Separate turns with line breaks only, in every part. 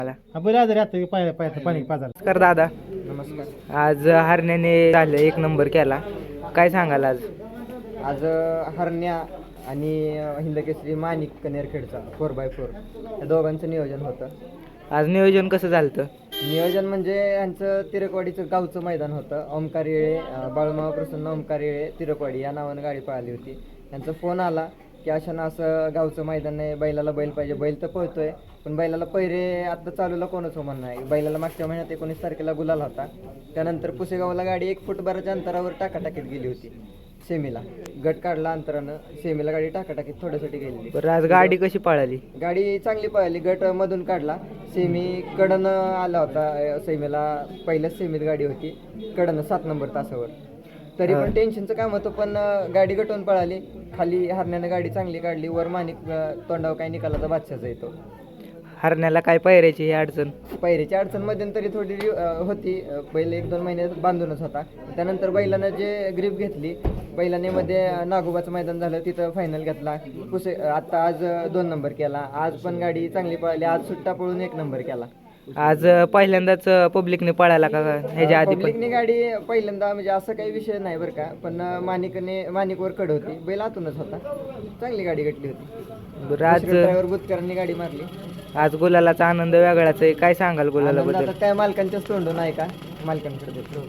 बैल आजारी आता पाणी पाजायला.
नमस्कार दादा.
नमस्कार.
आज हरण्याने झालं 1 नंबर केला, काय सांगाल आज?
आज हरण्या आणि हिंदकेसरी माणिक कनेरखेडचा 4x4 या दोघांचं नियोजन होतं.
आज नियोजन कसं झालं?
नियोजन म्हणजे यांचं तिरकवाडीचं गावचं मैदान होतं. ओमकार येळे, बाळूमामा प्रसन्न ओमकार येळे तिरकवाडी या नावानं गाडी पळाली होती. त्यांचा फोन आला की अशानं असं गावचं मैदान आहे, बैलाला बैल पाहिजे. बैल तर पळतोय पण बैलाला पैरे आत्ता चालूला कोणच हो म्हणणं आहे. बैलाला मागच्या महिन्यात 19 तारखेला गुलाल होता. त्यानंतर पुसेगावला गाडी 1 फूटभराच्या अंतरावर टाकाटाकीत गेली होती. सेमीला गट काढला अंतरानं, सेमीला गाडी टाकाटाकीत थोड्यासाठी गेलेली.
बरं, आज गाडी कशी पळाली?
गाडी चांगली पळाली. गट मधून काढला, सेमी कडनं आला होता. सेमीला पहिल्याच सेमीत गाडी होती कडनं 7 नंबर तासावर. तरी पण टेन्शनचं काम होतं, पण गाडी गटवून पळाली. खाली हरण्यानं गाडी चांगली काढली. वर माणिक तोंडावर काय निकालाचा बादशाचा येतो.
हरण्याला काय पायऱ्याची ही अडचण?
पायरीची अडचण मध्यंतरी थोडी होती. बैल 1-2 महिने बांधूनच होता. त्यानंतर बैलानं जे ग्रीप घेतली, बैलाने मध्ये नागोबाचं मैदान झालं, तिथं फायनल घेतला. आता आज 2 नंबर केला. आज पण गाडी चांगली पळाली. आज सुट्टा पळून 1 नंबर केला.
आज पहिल्यांदाच पब्लिकने पळाला का ह्याच्या आधी?
पब्लिकने गाडी पहिल्यांदा, म्हणजे असं काही विषय नाही बरं का, पण माणिकवर कड होती. बैल आतूनच होता. चांगली गाडी गटली होती.
बरं, आज
ड्रायव्हर बुतकरांनी गाडी मारली.
आज गुलालाचा आनंद वेगळाच आहे, काय सांगाल गुलालाबद्दल?
आता काय मालकांच्याच तोंडून आहे का, मालकांकडे देतो.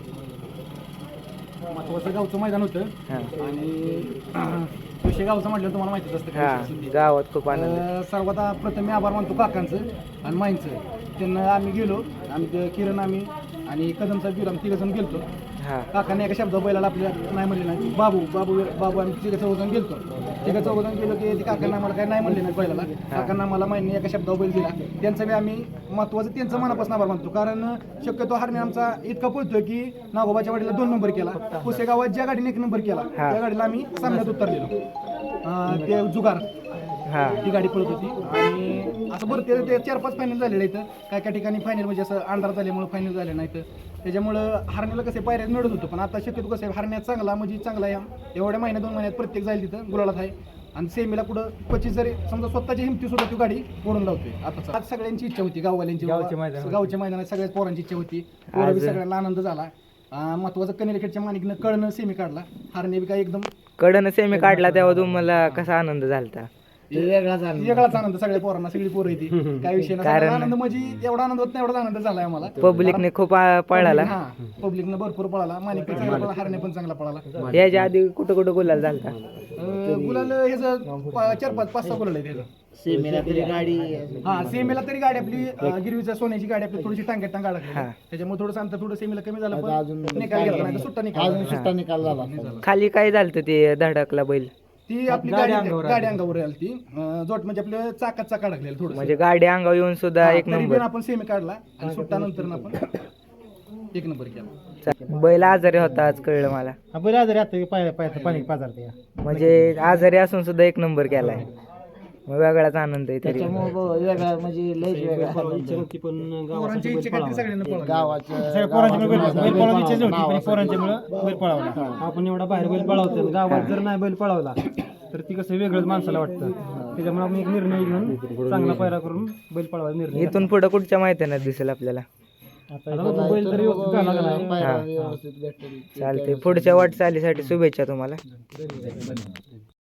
महत्वाचं गावचं मैदान होतं आणि विषय गावचं म्हटलं तुम्हाला माहितीच असतं.
हां, गावात खूप आनंद.
सर्वात प्रथम मी आभार मानतो काकांचं आणि माईंचं. त्यांना आम्ही गेलो, आम्ही किरण आम्ही आणि कदमचा बिर आम्ही 3 जण गेलतो.
हां,
काकाने एका शब्द बैलाला आपल्या नाही म्हणले नाही. बाबू बाबू बाबू आम्ही 3-4 गेलतो. 3-4 गेलो की ते काकांना आम्हाला काय नाही म्हणले नाही बैलाला. काकांना आम्हाला माहिती एका शब्दावर बैल दिला. त्यांचं बी आम्ही महत्वाचं त्यांचं मनापासून आभार मानतो. कारण शक्यतो हरणे आमचा इतका पळतोय की नागोबाच्या गाडीला 2 नंबर केला. पुसेगावात ज्या गाडीने 1 नंबर केला त्या गाडीला आम्ही सामन्यात उतरलेलो. ते जुगार ती गाडी पळत होती. आणि असं बरं ते 4-5 फायनल झालेलं इथं. काय ठिकाणी फायनल म्हणजे असं अंधार झाल्यामुळे फायनल झाले नाही. तर त्याच्यामुळं हरण्याला कसे पायऱ्यात मिळत होतं, पण आता शक्यतो कसं आहे हरण्यात चांगला म्हणजे चांगला या एवढ्या महिन्यात 2 महिन्यात प्रत्येक जाईल तिथं गुलालात आहे. आणि सेमीला पुढं 25 जरी समजा स्वतःची हिमती सुद्धा ती गाडी ओढून लावते. आता आज सगळ्यांची इच्छा होती, गाववाल्यांची, गावच्या मैदानात सगळ्याच पोरांची इच्छा होती. पोरं सगळ्यांना आनंद झाला. महत्वाचं कनेरखेडच्या माणिकनं कडनं सेमी काढला. हरणे बी काय एकदम
कडनं सेमी काढला तेव्हा तुम्हाला कसा आनंद झाला?
वेगळाच आनंद. सगळ्या पोरांना, सगळी पोरं येते, काय विषय नाही. आनंद म्हणजे एवढा आनंद होत नाही एवढा आनंद झालाय आम्हाला.
पब्लिकने खूप पळाला.
पब्लिकनं भरपूर पळाला. माणिक पण चांगला पळाला, हरणे पण चांगला पळाला.
याच्या आधी कुठं कुठं गुलाल झाला?
गुलाल ह्याचं 4-5-6 गुलाल आहे त्याचं. सेमीला तरी गाडी आपली गिरवीच्या सोन्याची गाडी आपली थोडीशी टांग्यात टांगा लागली. त्याच्यामुळे थोडंसं अंतर थोडं सेमीला कमी झालं, पण निकाल घेतला नाही, सुट्टा निकाल झाला.
खाली काय झालं ते धडकला बैल?
ती आपली गाडी अंगावर आली. ती जोट म्हणजे आपलं चाकात अडकलेलं थोडं,
म्हणजे गाडी अंगावर येऊन सुद्धा 1 नंबर.
आपण सेमी काढला आणि सुट्टा नंतर आपण 1 नंबर केला.
बैल आजारी होता आज कळलं मला.
बैल आजारी आता पाणी पाजारते.
म्हणजे आजारी असून सुद्धा 1 नंबर केलाय, वेगळाच आनंद आहे. तरी
वेगळा म्हणजे लयच वेगळा.
आपण एवढा बाहेर बैल पळावतो, गावात जर नाही बैल पळावला तर ती कसं वेगळंच माणसाला वाटतं. त्याच्यामुळे आपण एक निर्णय घेऊन चांगला पायरा करून बैल पळवायचा निर्णय.
इथून पुढे कुठच्या मैदानात दिसेल आपल्याला?
बैल तरी
चालते. पुढच्या वाटचालीसाठी शुभेच्छा तुम्हाला.